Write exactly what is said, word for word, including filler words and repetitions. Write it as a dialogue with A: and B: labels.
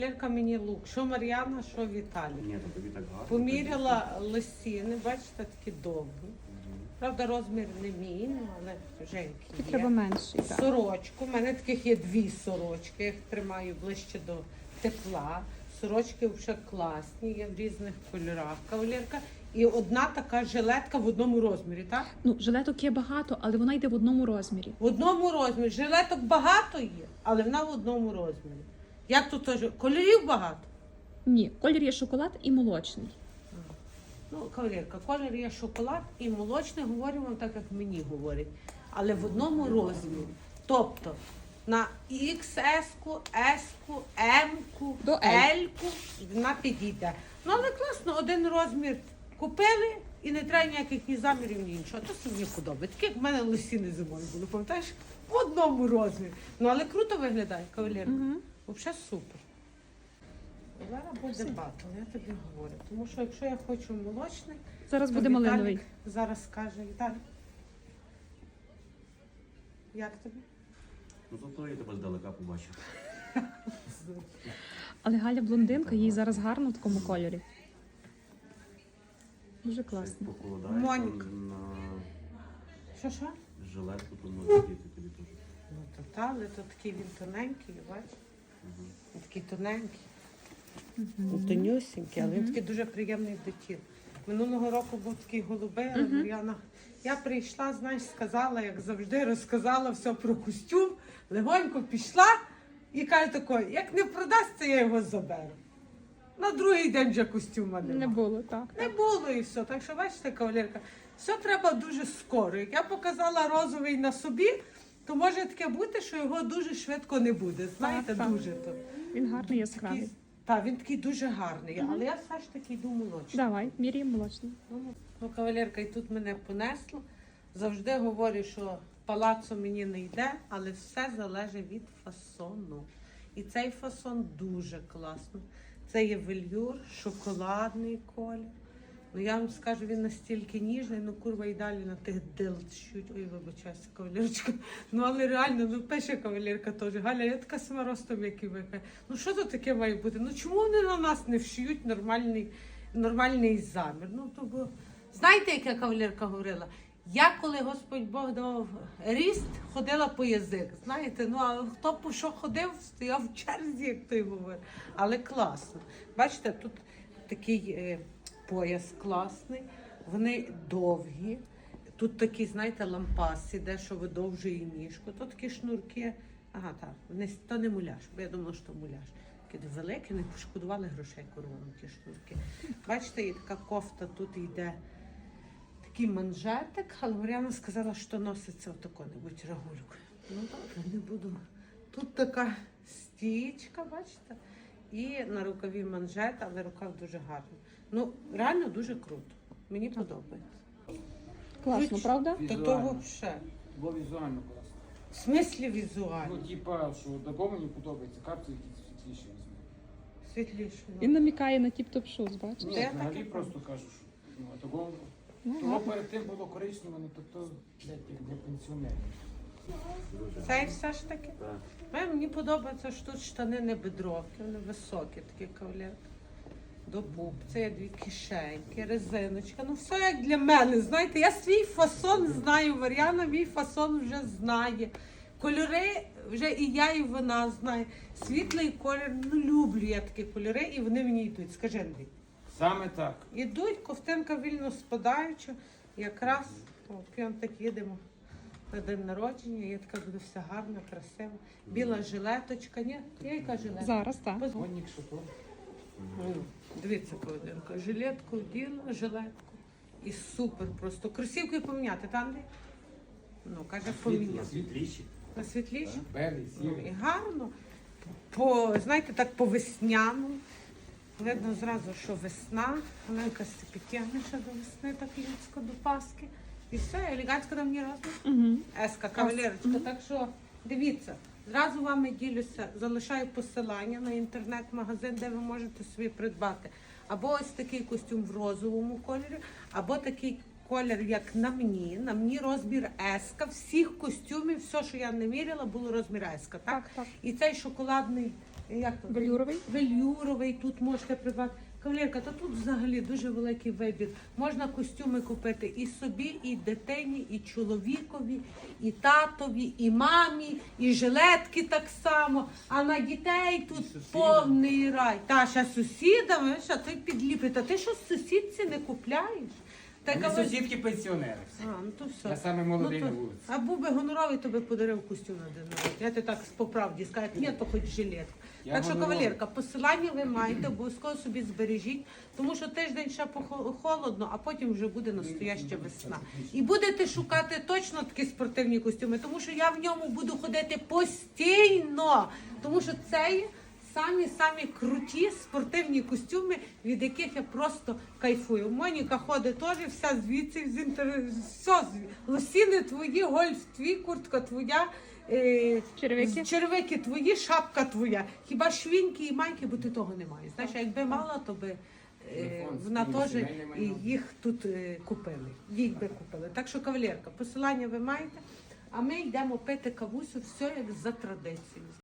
A: Лерка мені лук, що Мар'яна, що Віталій.
B: Ні, то тобі так гарно.
A: Поміряла лосіни, бачите, такі довгі. Правда, розмір не мій, ну, але Женьки є.
C: Треба менший, так.
A: Сорочку. У мене таких є дві сорочки, я їх тримаю ближче до тепла. Сорочки вже класні, є в різних кольорах кавалерка. І одна така жилетка в одному розмірі, так?
C: Ну, жилеток є багато, але вона йде в одному розмірі.
A: В одному розмірі. Жилеток багато є, але вона в одному розмірі. Як тут теж? Кольорів багато?
C: Ні, колір є шоколад і молочний.
A: Ну, кавалерка, колір є шоколад і молочний, говоримо вам так, як мені говорять. Але в одному розмірі. Тобто на ікс ес-ку, ес-ку, ем-ку,
C: До L.
A: ель-ку вона підійде. Ну, але класно, один розмір купили і не треба ніяких ні замірів, ні іншого. То мені подобається. Такі, як в мене лосіни зимою були, пам'ятаєш? В одному розмірі. Ну, але круто виглядає, кавалерка.
C: Угу.
A: Взагалі супер. Зараз буде батл, я тобі говорю. Тому що якщо я хочу молочний,
C: Зараз
A: то
C: буде
A: Віталік
C: малиновий.
A: зараз скаже, Віталій, як тобі?
B: Ну зато я тебе здалека побачив.
C: Але Галя блондинка, їй зараз гарно в такому кольорі. Дуже класно.
B: Покладаєш
A: Моніка.
B: там на
A: Що, що?
B: жилетку, то може діти тобі теж.
A: Ну, то та, але то такий він тоненький, бачиш?
B: Угу.
A: Він такий тоненький. Він тонюсінький, але він такий дуже приємний до тіла. Минулого року був такий голубий, але Мар'яна. Я прийшла, знаєш, сказала, як завжди, розказала все про костюм, легонько пішла і каже такою, як не продасться, я його заберу. На другий день вже костюма немає.
C: Не було, так.
A: Не було і все. Так що, бачите, кавалерка, все треба дуже скоро. Як я показала розовий на собі, то може таке бути, що його дуже швидко не буде. Знаєте,
C: Так, так.
A: дуже то.
C: Він гарний, яскравий.
A: Так, він такий дуже гарний, але я все ж таки йду молочний.
C: Давай, міряємо молочний.
A: Ну, кавалерка, і тут мене понесло. Завжди говорю, що палацо мені не йде, але все залежить від фасону. І цей фасон дуже класний. Це є вельюр, шоколадний колір. Ну я вам скажу, він настільки ніжний, ну курва і далі на тих дилчуть. Ой, вибачайся, кавалерочка. Ну але реально, ну пише кавалерка теж. Галя, я така сама ростом, як і ви. Ну що тут таке має бути? Ну чому вони на нас не вшиють нормальний, нормальний замір? Ну то бо знаєте, як я кавалерка говорила? Я, коли Господь Бог давав ріст, ходила по язик. Знаєте, ну а хто по що ходив, стояв в черзі, як той говорить. Але класно. Бачите, тут такий е, пояс класний, вони довгі. Тут такі, знаєте, лампаси, де що видовжує ніжку. Тут такі шнурки. Ага, так, не, то не муляж, бо я думала, що муляж. Такі великі, не пошкодували грошей коровам ті шнурки. Бачите, і така кофта тут йде. Такий манжетик, але Мар'яна сказала, що носиться отако-небудь рагульку. Ну добре, не буду. Тут така стічка, бачите? І на рукаві манжет, але рукав дуже гарний. Ну, реально дуже круто. Мені подобається.
C: Класно,
A: Хоч-
C: правда?
A: Та то взагалі.
D: Було візуально класно.
A: В смислі візуально.
D: Ну, типа, що такого мені подобається, капці якісь світліші візьму.
A: Світліше. ну.
C: Він намікає на тіп-топ шуз, бачиш?
D: Ні,
A: Та я
D: взагалі
A: таке
D: просто кажу, що ну, а такого,
C: Ну,
D: того
C: гарно.
D: перед тим було коричневе, ну то, то блядь, як для пенсіонерів.
A: Цей все ж таки.
B: Так.
A: Е, Мені подобається, що тут штани не бедровки, вони високі, такі кавалерки. До пупця є дві кишеньки, резиночка. Ну все як для мене. Знаєте, я свій фасон знаю. Мар'яна мій фасон вже знає. Кольори вже і я, і вона знає. Світлий колір, ну люблю я такі кольори, і вони мені йдуть. Скажи, Андрій.
D: Саме так.
A: Ідуть, ковтинка вільно спадаюча. Якраз от, прям так їдемо на день народження. Я така буду вся гарна, красива. Біла жилеточка. Ні, я яка жилетка?
C: Зараз, так.
A: Поз-
D: Гонник, що то.
A: Ну, дивіться, Ковденко, жилетку вділа, жилетку. І супер просто. Кросівки поміняти, там Андрій? Ну, каже,
B: На
A: поміняти.
B: світліші.
A: На світліші?
D: Белий,
A: Ну, і
D: сірий.
A: гарно. По, знаєте, так по весняну. Видно зразу, що весна. Оленка підтягне ще до весни, так людсько, до Пасхи. І все, елегантсько там мені разом.
C: Угу.
A: Еска, кавалерочка. Так що дивіться, зразу вами ділюся, залишаю посилання на інтернет-магазин, де ви можете собі придбати. Або ось такий костюм в розовому кольорі, або такий колір, як на мені. На мені розмір еска. Всіх костюмів, все, що я не міряла, було розмір еска. Так?
C: Так, так.
A: І цей шоколадний Як то?
C: Велюровий.
A: Велюровий, тут можете придбати. Кавалерка, та тут взагалі дуже великий вибір. Можна костюми купити і собі, і дитині, і чоловікові, і татові, і мамі, і жилетки так само. А на дітей тут
D: сусідам.
A: повний рай. Та ще сусідами, що ти підліпить. А ти що сусідці не купляєш? Та
D: Вони
A: кавалер-
D: сусідки пенсіонери.
A: А, ну то все.
D: Я саме молодий
A: Ну,
D: на
A: то-
D: вулиці.
A: А був би гоноровий, то би подарив костюм на день народження. Я ти так по правді скажу, ні, то хоч жилетку.
D: Я
A: Так що,
D: гоноровий.
A: кавалерка, посилання ви маєте, обов'язково собі збережіть, тому що тиждень ще похо- холодно, а потім вже буде настояща весна. І будете шукати точно такі спортивні костюми, тому що я в ньому буду ходити постійно, тому що це є самі-самі круті спортивні костюми, від яких я просто кайфую. Моніка ходить теж, вся звідси, з інтер... все, зві- лосіни твої, гольф твій, куртка твоя, е...
C: Черевики?
A: черевики твої, шапка твоя. Хіба швіньки і майки, бо ти того не маєш. Знаєш, а якби мала, то би е...
D: Телефон,
A: вона
D: скрізь,
A: теж
D: сімейне
A: і
D: майно.
A: їх тут е... купили. Їх би купили. Так що, кавалерка, посилання ви маєте, а ми йдемо пити кавусю, все як за традицією.